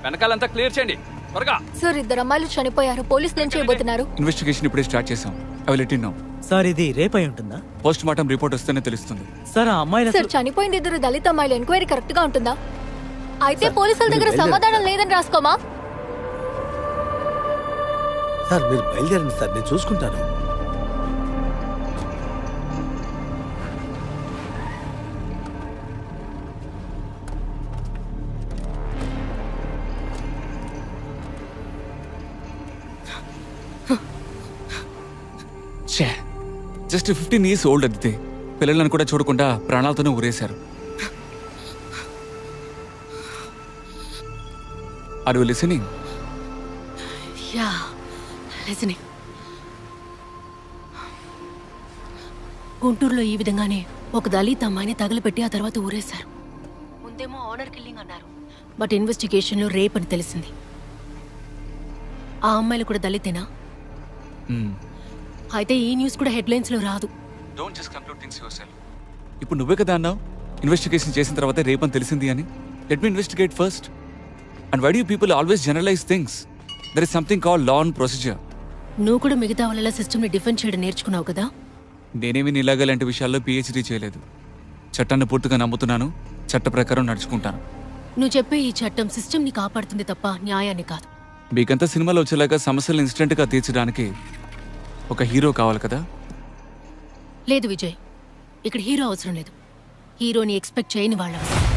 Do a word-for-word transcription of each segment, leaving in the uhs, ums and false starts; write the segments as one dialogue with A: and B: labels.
A: వెనకాలంతా clear చేయండి త్వరగా.
B: Sir ఇద్దరు అమ్మాయిలు చనిపోయారు. పోలీసులు ఏం చేయబోతున్నారు?
C: ఇన్వెస్టిగేషన్ ఇప్పుడే స్టార్ట్ చేసాం. I will let you know.
D: Sir ఇది రేపై ఉంటుందా?
C: పోస్ట్ మార్టం రిపోర్ట్ వస్తేనే తెలుస్తుంది.
D: సార్ ఆ అమ్మాయిల
B: సార్ చనిపోయింది ఇద్దరు దళిత అమ్మాయిలు. ఎంక్వైరీ కరెక్ట్ గా ఉంటుందా? అయితే పోలీసుల దగ్గర సమాధానం లేదని రాసుకోమా?
E: సార్ మీరు బయలుదేరండి సార్, నేను చూసుకుంటాను.
C: జస్ట్ ఫిఫ్టీన్ ఇయర్స్ ఓల్డ్ అదితే పిల్లలను కూడా చూడకుండా ప్రాణాలతోనే ఊరేశారు. Are you listening?
B: Yeah listening. గుంటూరులో ఈ విధంగానే ఒక దళిత అమ్మాయిని తగలపెట్టి ఆ తర్వాత ఊరేశారు. ముందేమో ఆనర్ కిల్లింగ్ అన్నారు, బట్ ఇన్వెస్టిగేషన్లో రేప్ అని తెలిసింది. ఆ అమ్మాయిలు కూడా దళితేనా? అయితే ఈ న్యూస్ కూడా హెడ్లైన్స్ లో రాదు.
C: Don't just conclude things yourself. ఇప్పుడు నువ్వే కదా అన్నావు ఇన్వెస్టిగేషన్ చేసిన తర్వాత రేప్ అని తెలిసింది అని. Let me investigate first. And why do you people always generalise things? There is something called law and procedure.
B: నువ్వు కూడా మిగతా వాళ్ళ సిస్టమ్ ని డిఫెండ్ చేయడం నేర్చుకున్నావు కదా.
C: నేనేమి నీలాగా లాంటి విషయాల్లో పిహెచ్డీ చేయలేదు. చట్టాన్ని పూర్తిగా నమ్ముతున్నాను, చట్ట ప్రకారం నడుచుకుంటాను.
B: నువ్వు చెప్పే ఈ చట్టం సిస్టమ్ ని కాపాడుతుంది తప్ప న్యాయాన్ని కాదు.
C: మీకంతా సినిమాలో వచ్చేలాగా సమస్యలు ఇన్స్టెంట్ గా తీర్చడానికి ఒక హీరో కావాలి కదా.
B: లేదు విజయ్, ఇక్కడ హీరో అవసరం లేదు. హీరోని ఎక్స్పెక్ట్ చేయని వాళ్ళ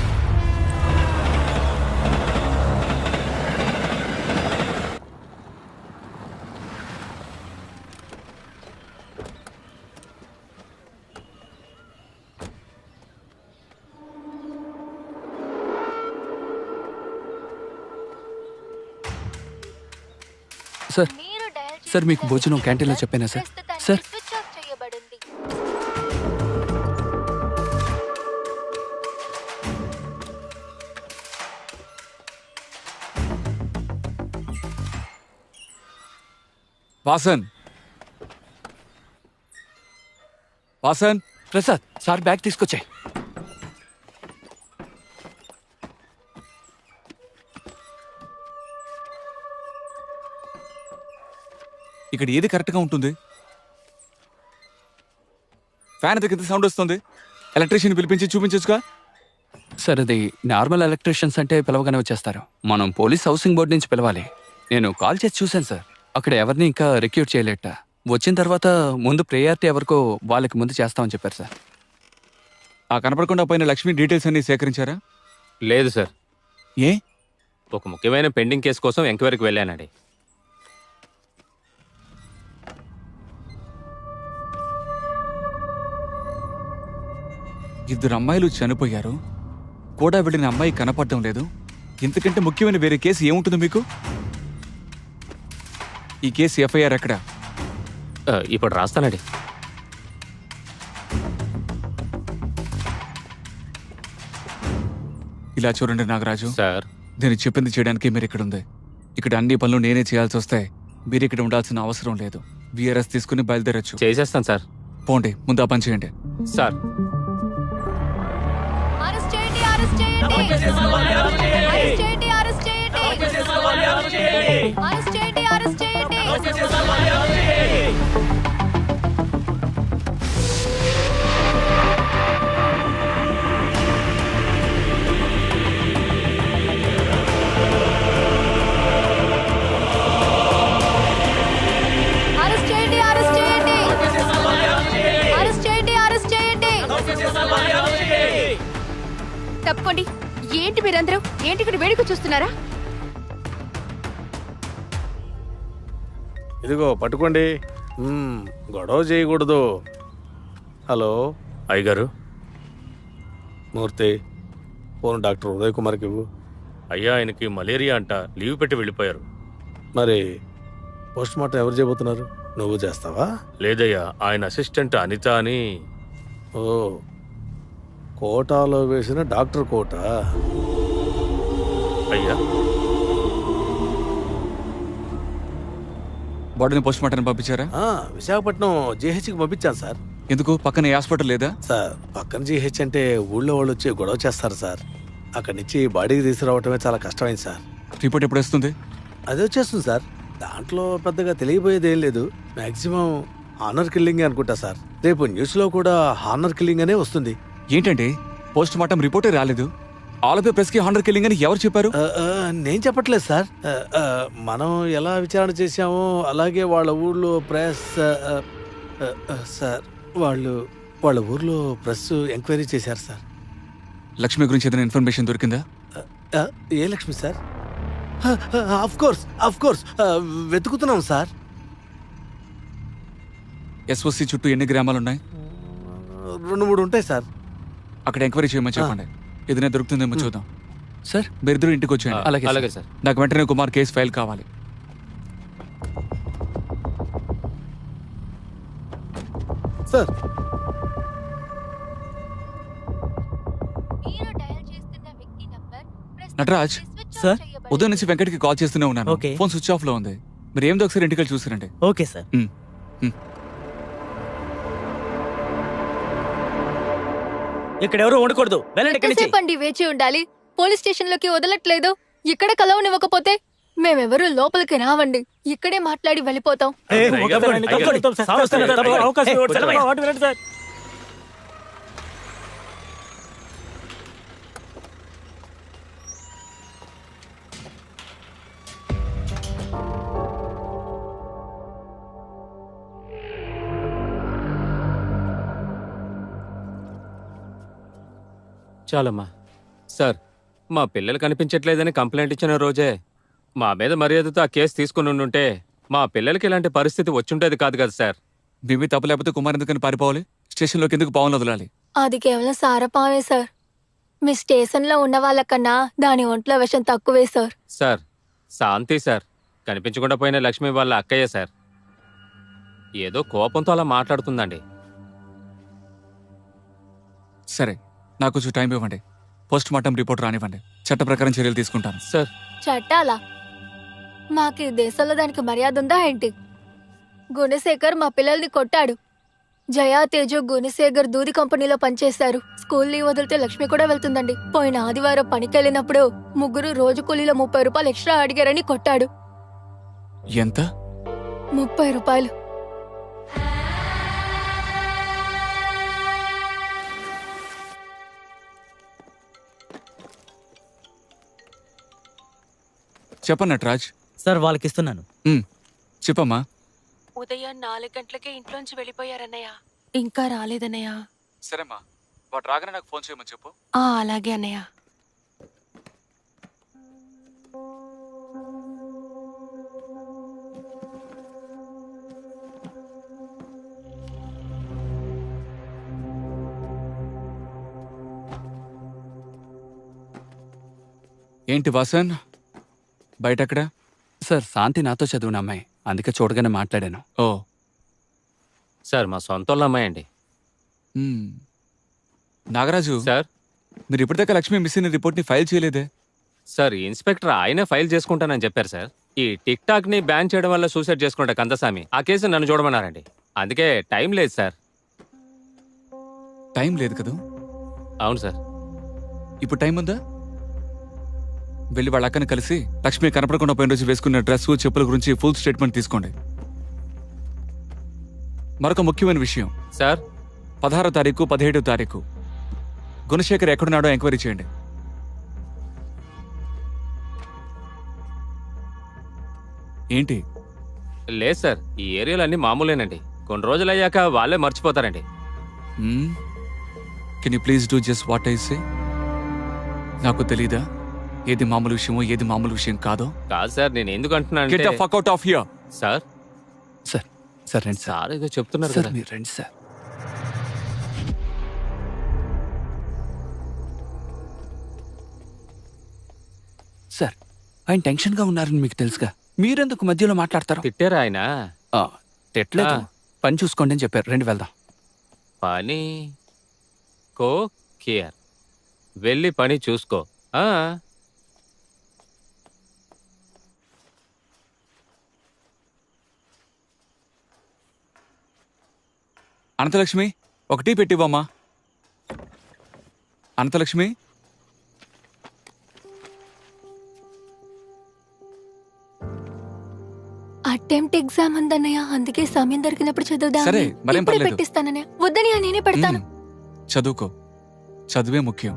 A: సార్ సార్ మీకు భోజనం క్యాంటీన్లో చెప్పానా sir? Sir
C: Vasan Vasan
A: Prasad sir bag తీసుకొచ్చాయి.
C: ఇక్కడ ఏది కరెక్ట్గా ఉంటుంది? ఫ్యాన్ దగ్గర సౌండ్ వస్తుంది. ఎలక్ట్రీషియన్ పిలిపించి చూపించచ్చుగా.
A: సార్ అది నార్మల్ ఎలక్ట్రీషియన్స్ అంటే పిలవగానే వచ్చేస్తారు. మనం పోలీస్ హౌసింగ్ బోర్డు నుంచి పిలవాలి. నేను కాల్ చేసి చూశాను సార్, అక్కడ ఎవరిని ఇంకా రిక్రూట్ చేయలేట. వచ్చిన తర్వాత ముందు ప్రయారిటీ ఎవరికో వాళ్ళకి ముందు చేస్తామని చెప్పారు సార్.
C: ఆ కనపడకుండా పోయిన లక్ష్మి డీటెయిల్స్ అన్ని సేకరించారా?
F: లేదు సార్.
C: ఏ?
F: ఒక ముఖ్యమైన పెండింగ్ కేసు కోసం ఎంక్వైరీకి వెళ్ళానండి.
C: ఇద్దరు అమ్మాయిలు చనిపోయారు, కూడా వెళ్ళిన అమ్మాయి కనపడడం లేదు. ఇంతకంటే ముఖ్యమైన వేరే కేసు ఏముంటుంది మీకు? ఈ కేసు ఎఫ్ఐఆర్ ఎక్కడ?
F: ఇప్పుడు రాస్తానండి.
C: ఇలా చూడండి నాగరాజు
F: సార్,
C: నేను చెప్పింది చేయడానికి మీరు ఇక్కడ ఉంది. ఇక్కడ అన్ని పనులు నేనే చేయాల్సి వస్తాయి. మీరు ఇక్కడ ఉండాల్సిన అవసరం లేదు. విఆర్ఎస్ తీసుకుని బయలుదేరచ్చు.
F: చేసేస్తాను సార్.
C: పోండి, ముందు ఆ పని చేయండి.
F: సార్
G: తప్పండి. ఏంటి మీరందరూ? ఏంటి ఇక్కడ వేడుక చూస్తున్నారా?
E: ఇదిగో పట్టుకోండి. గొడవ చేయకూడదు. హలో
F: అయ్యగారు.
E: మూర్తి, ఫోన్ డాక్టర్ ఉదయ్ కుమార్కి ఇవ్వు.
F: అయ్యా, ఆయనకి మలేరియా అంట, లీవ్ పెట్టి వెళ్ళిపోయారు.
E: మరి పోస్ట్ మార్టం ఎవరు చేయబోతున్నారు? నువ్వు చేస్తావా?
F: లేదయ్యా, ఆయన అసిస్టెంట్ అనిత అని.
E: ఓ, కోటాలో వేసిన డాక్టర్ కోట.
F: అయ్యా,
C: బాడీని పోస్ట్ మార్టం పంపించారా?
E: విశాఖపట్నం జీహెచ్కి పంపించాను సార్.
C: ఎందుకు? పక్కన హాస్పిటల్ లేదా
E: సార్? పక్కన జీహెచ్ అంటే ఊళ్ళో వాళ్ళు వచ్చి గొడవ చేస్తారు సార్. అక్కడి నుంచి బాడీకి తీసుకురావటమే చాలా కష్టమైంది సార్.
C: రిపోర్ట్ ఎప్పుడు వస్తుంది?
E: అది వచ్చేస్తుంది సార్. దాంట్లో పెద్దగా తెలియబోయేది ఏం లేదు. మాక్సిమం హానర్ కిల్లింగ్ అనుకుంటా సార్. రేపు న్యూస్లో కూడా హానర్ కిల్లింగ్ అనే వస్తుంది.
C: ఏంటంటే పోస్ట్ మార్టం రిపోర్టే రాలేదు, ఆలపే ప్రెస్ కి హానర్ కిల్లింగ్ అని ఎవరు చెప్పారు?
E: ఆ, ఆ, నేను చెప్పట్లేదు సార్. ఆ, ఆ, మనం ఎలా విచారణ చేశామో అలాగే వాళ్ళ ఊర్లో ప్రెస్ ఆ, ఆ, ఆ, సార్ వాళ్ళు వాళ్ళ ఊర్లో ప్రెస్ ఎంక్వైరీ చేశారు సార్.
C: లక్ష్మి గురించి ఏదైనా ఇన్ఫర్మేషన్ దొరికిందా?
E: ఆ, ఏ Lakshmi sir? Of course of course వెతుకుతున్నాం సార్.
C: ఎస్ఓసి చుట్టూ ఎన్ని గ్రామాలు ఉన్నాయి?
E: రెండు మూడు ఉంటాయి సార్.
C: అక్కడ ఎంక్వైరీ చేయమని చెప్పండి. ఏదైనా దొరుకుతుందేమో చూద్దాం.
A: సార్
C: మీరిద్దరు ఇంటికి వచ్చేయండి.
A: అలాగే
F: అలాగే సార్.
C: నాకు వెంటనే కుమార్ కేసు ఫైల్ కావాలి.
E: సార్
C: నటరాజ్,
D: సార్
C: ఉదయం నుంచి వెంకట్కి కాల్ చేస్తూనే ఉన్నాను.
D: ఓకే.
C: ఫోన్ స్విచ్ ఆఫ్ లో ఉంది. మీరు ఏందో ఒకసారి ఇంటికి వెళ్ళి చూసారండి.
D: Okay sir. ఇక్కడ ఎవరు ఉండకూడదు, వెళ్ళండి ఇక్కడి నుంచి.
G: ఎంతసేపు అండి వేచి ఉండాలి? పోలీస్ స్టేషన్ లోకి వదలట్లేదు. ఇక్కడ కలవనివ్వకపోతే మేమెవరూ లోపలికి రావండి. ఇక్కడే మాట్లాడి వెళ్ళిపోతాం.
D: ఏ, తప్పకుండా, తప్పకుండా. సార్ వస్తున్నారు, తప్పకుండా అవకాశం ఇవ్వండి సార్. వాటి వినండి సార్.
F: చాలమ్మా. సార్, మా పిల్లలు కనిపించట్లేదని కంప్లైంట్ ఇచ్చిన రోజే మా మీద మర్యాదతో ఆ కేసు తీసుకుని ఉండుంటే మా పిల్లలకి ఇలాంటి పరిస్థితి వచ్చుంటేది కాదు కదా సార్.
C: మేమే తప్పు లేకపోతే కుమార్ ఎందుకని పారిపోవాలి? స్టేషన్లోకి ఎందుకు పావులు వదలాలి?
G: అది కేవలం సారపావే సార్. మీ స్టేషన్ లో ఉన్న వాళ్ళకన్నా దాని ఒంట్లో విషం తక్కువే సార్.
F: సార్, శాంతి సార్ కనిపించకుండా పోయిన లక్ష్మి వాళ్ళ అక్కయ్య సార్. ఏదో కోపంతో అలా మాట్లాడుతుందండి.
C: సరే, నాకు కొంచెం టైం ఇవ్వండి. పోస్ట్ మార్టం రిపోర్ట్ రానివ్వండి. చట్ట ప్రకారం చర్యలు తీసుకుంటాను.
F: సార్,
G: చట్టాలా? మాకు ఈ దేశంలో దానికి మర్యాద ఉందా ఏంటి? గుణశేఖర్ మా పిల్లల్ని కొట్టాడు. జయా తేజు గుణశేఖర్ దూది కంపెనీలో పనిచేశారు. స్కూల్ లీవ్ వదిలితే లక్ష్మి కూడా వెళ్తుందండి. పోయిన ఆదివారం పనికెళ్ళినప్పుడు ముగ్గురు రోజు కూలీలో ముప్పై రూపాయలు ఎక్స్ట్రా అడిగారని కొట్టాడు.
C: ఎంత?
G: ముప్పై రూపాయలు.
C: చెప్పండి నటరాజ్.
D: సార్ వాళ్ళకి ఇస్తున్నాను.
C: ఉమ్, చెప్పమ్మా.
B: ఉదయం నాలుగు గంటలకే ఇంట్లోంచి వెళ్ళిపోయారన్నయ్య. ఇంకా రాలేదన్నయ్య.
C: సరేమ్మా, వాడు రాగానే నాకు ఫోన్ చేయమని చెప్పు.
B: ఆ అలాగే అన్నయ్య.
C: ఏంటి వాసన్, బయట అక్కడ?
A: సార్, శాంతి నాతో చదివిన అమ్మాయి, అందుకే చూడగానే మాట్లాడాను.
C: ఓ,
F: సార్ మా సొంత వాళ్ళ అమ్మాయి అండి.
C: ఉమ్. నాగరాజు,
F: సార్
C: మీరు ఇప్పటిదాకా లక్ష్మి మిస్ అయిన రిపోర్ట్ని ఫైల్ చేయలేదే?
F: సార్ ఈ ఇన్స్పెక్టర్ ఆయనే ఫైల్ చేసుకుంటానని చెప్పారు సార్. ఈ టిక్ టాక్ ని బ్యాన్ చేయడం వల్ల సూసైడ్ చేసుకుంటా కందసామి ఆ కేసు నన్ను చూడమన్నారండి. అందుకే టైం లేదు సార్.
C: టైం లేదు కదా?
F: అవును సార్.
C: ఇప్పుడు టైం ఉందా? వెళ్ళి వాళ్ళ అక్కని కలిసి లక్ష్మి కనపడకుండా పోయిన రోజు వేసుకున్న డ్రెస్, చెప్పుల గురించి ఫుల్ స్టేట్మెంట్ తీసుకోండి. మరొక ముఖ్యమైన విషయం
F: సార్,
C: పదహారో తారీఖు పదిహేడో తారీఖు గుణశేఖర్ ఎక్కడున్నాడో ఎంక్వైరీ చేయండి. ఏంటి?
F: లేదు సార్, ఈ ఏరియాలో అన్ని మామూలేనండి. కొన్ని రోజులు అయ్యాక వాళ్ళే మర్చిపోతారండి.
C: Can you please do just what I say? నాకు తెలీదా ఏది మామూలు విషయమో ఏది మామూలు విషయం కాదో?
F: కాదు సార్, నేను ఎందుకు అంటున్నాను
C: get the fuck out of here.
F: Sir
A: sir sir రండి సార్.
F: సార్ ఏదో చెప్తున్నారు
A: సార్
F: కదా.
A: మీరు రండి సార్. సార్, ఆయన టెన్షన్గా ఉన్నారని మీకు తెలుసుగా, మీరెందుకు మధ్యలో మాట్లాడతారు?
F: తిట్టారా ఆయన?
A: ఆ, తిట్టలేదు.
F: ఆ.
A: పని చూసుకోండి అని చెప్పారు. రండి వెళ్దాం.
F: పని కో కేర్, వెళ్ళి పని చూసుకో. ఆ
C: అనంతలక్ష్మి, ఒక టీ పెట్టివ్వమ్మా. అనంతలక్ష్మి,
G: అటెంప్ట్ ఎగ్జామ్ ఉందన్నయ్య, అందుకే సమయం దొరికినప్పుడు చదువుదా.
C: సరే, మరేం
G: ఇప్పుడే
C: పర్లేదు.
G: పెట్టిస్తానన్నయ్య. వద్దనయ్య, నేనే పెడతాను.
C: మ్మ్. చదువుకో, చదువే ముఖ్యం.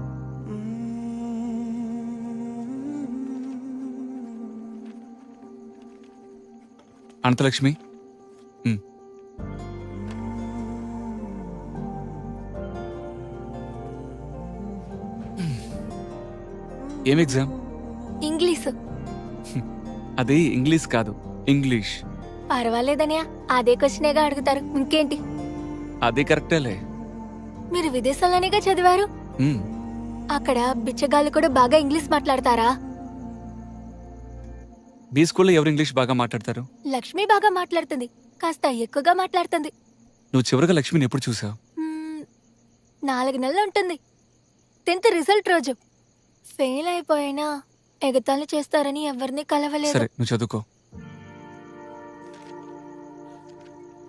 C: అనంతలక్ష్మి, మ్మ్. ఏం ఎగ్జామ్?
G: ఇంగ్లీషు.
C: అది ఇంగ్లీష్ కాదు, ఇంగ్లీష్.
G: పర్వాలేదనయ్య, అదే క్వశ్చనేగా అడుగుతారు, ఇంకేంటి.
C: అది కరెక్టేలే.
G: మీరు విదేశాల్లోనేగా చదివారు,
C: మ్మ్.
G: అక్కడ బిచ్చగాళ్ళు కూడా బాగా ఇంగ్లీష్ మాట్లాడతారా?
C: మీ స్కూల్లో ఎవరు ఇంగ్లీష్ బాగా మాట్లాడతారు?
G: లక్ష్మి బాగా మాట్లాడుతుంది, కాస్త ఎక్కువగా మాట్లాడుతుంది.
C: నువ్వు చివరిగా లక్ష్మిని ఎప్పుడు చూసావు?
G: మ్మ్, నాలుగు నెలలు ఉంటుంది. టెన్త్ రిజల్ట్ రోజు. ఫెయిల్ అయిపోయినా ఎగతాళి చేస్తారని ఎవరిని కలవలేదు.
C: సరే, నువ్వు చదువుకో.